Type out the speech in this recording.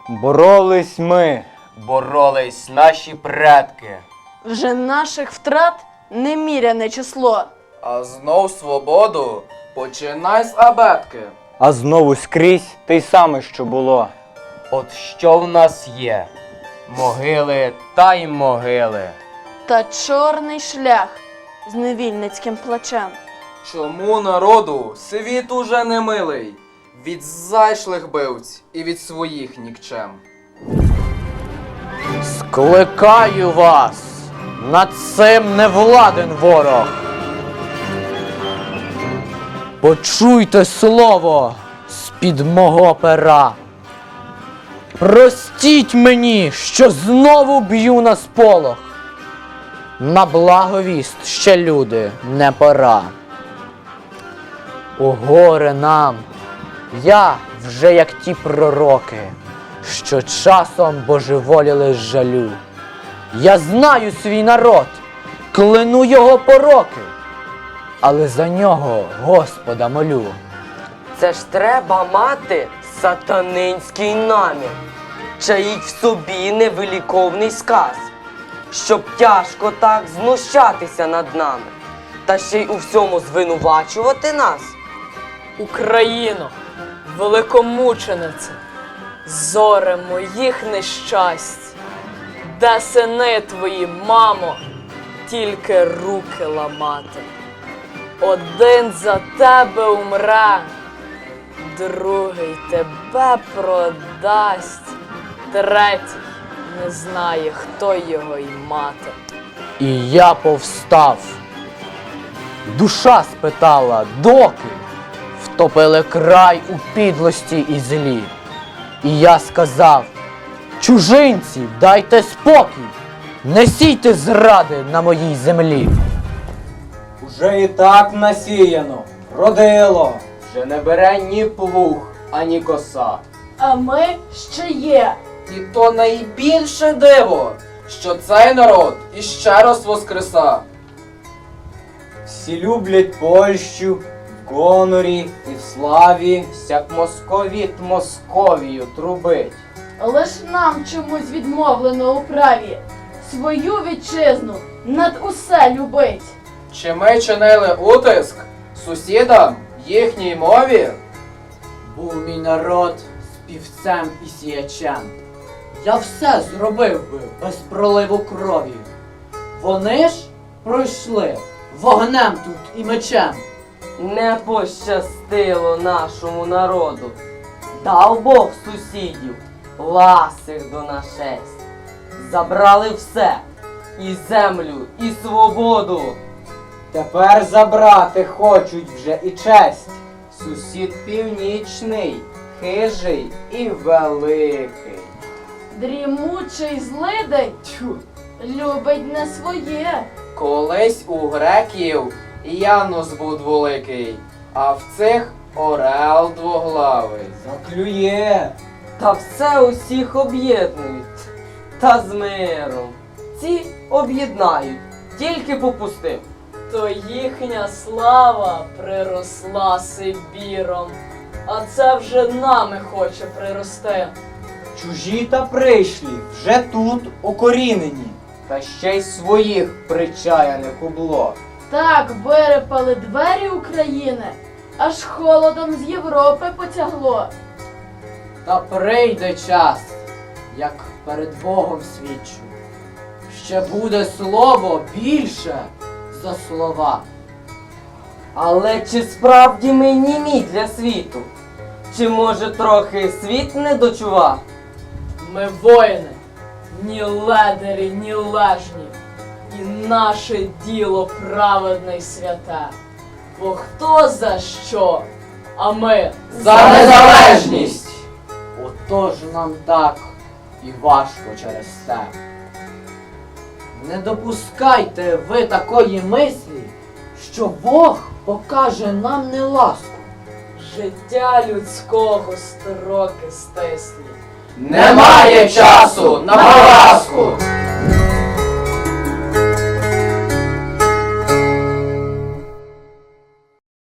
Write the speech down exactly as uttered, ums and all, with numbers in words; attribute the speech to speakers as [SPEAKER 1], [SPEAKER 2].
[SPEAKER 1] Боролись ми.
[SPEAKER 2] Боролись наші предки.
[SPEAKER 3] Вже наших втрат неміряне число.
[SPEAKER 4] А знов свободу починай з абетки.
[SPEAKER 1] А знову скрізь те й саме, що було.
[SPEAKER 2] От що в нас є? Могили та й могили.
[SPEAKER 3] Та чорний шлях з невільницьким плачем.
[SPEAKER 4] Чому народу світ уже не милий? Від зайшлих бивць і від своїх нікчем.
[SPEAKER 5] Скликаю вас, над цим не владен ворог. Почуйте слово з-під мого пера. Простіть мені, що знову б'ю на сполох. На благовіст ще, люди, не пора. О горе нам, я вже як ті пророки, що часом божеволіли з жалю. Я знаю свій народ, кляну його пороки, але за нього Господа молю.
[SPEAKER 6] Це ж треба мати сатанинський намір, чаїть в собі невиліковний сказ, щоб тяжко так знущатися над нами, та ще й у всьому звинувачувати нас.
[SPEAKER 7] Україно, великомученице, зоре моїх нещасть, де сини твої, мамо, тільки руки ламати. Один за тебе умре, другий тебе продасть, третій не знає, хто його й мати.
[SPEAKER 5] І я повстав. Душа спитала, доки втопили край у підлості і злі. І я сказав, чужинці, дайте спокій, не сійте зради на моїй землі.
[SPEAKER 1] Уже і так насіяно, родило.
[SPEAKER 2] Вже не бере ні плуг, ані коса.
[SPEAKER 3] А ми ще є.
[SPEAKER 4] І то найбільше диво, що цей народ іще раз воскреса.
[SPEAKER 1] Всі люблять Польщу в гонорі і в славі.
[SPEAKER 2] Всяк московіт Московію трубить.
[SPEAKER 3] Лиш нам чомусь відмовлено у праві свою вітчизну над усе любить.
[SPEAKER 4] Чи ми чинили утиск сусідам їхній мові?
[SPEAKER 5] Був мій народ співцем і сіячем. Я все зробив би без проливу крові. Вони ж пройшли вогнем тут і мечем.
[SPEAKER 6] Не пощастило нашому народу. Дав Бог сусідів ласих до нашесть. Забрали все, і землю, і свободу.
[SPEAKER 1] Тепер забрати хочуть вже і честь.
[SPEAKER 2] Сусід північний, хижий і великий.
[SPEAKER 3] Дрімучий злидень тьфу, любить не своє.
[SPEAKER 4] Колись у греків Янус був дволикий, а в цих орел двоглавий.
[SPEAKER 1] Заклює.
[SPEAKER 6] Та все усіх об'єднують. Та з миром. Ці об'єднають, тільки попустив.
[SPEAKER 7] То їхня слава приросла Сибіром, а це вже нами хоче прирости.
[SPEAKER 1] Чужі та прийшлі вже тут укорінені.
[SPEAKER 2] Та ще й своїх причаяних убло.
[SPEAKER 3] Так вирипали двері України, аж холодом з Європи потягло.
[SPEAKER 5] Та прийде час, як перед Богом свідчу. Ще буде слово більше за слова.
[SPEAKER 6] Але чи справді ми німі для світу? Чи може трохи світ не дочував?
[SPEAKER 7] Ми воїни, ні ледарі, ні лежні, і наше діло праведне й святе. Бо хто за що, а ми
[SPEAKER 4] За незалежність!
[SPEAKER 5] Отож нам так і важко через те. Не допускайте ви такої мислі, що Бог покаже нам неласку.
[SPEAKER 7] життя людського строки стислі.
[SPEAKER 4] Немає часу на поразку!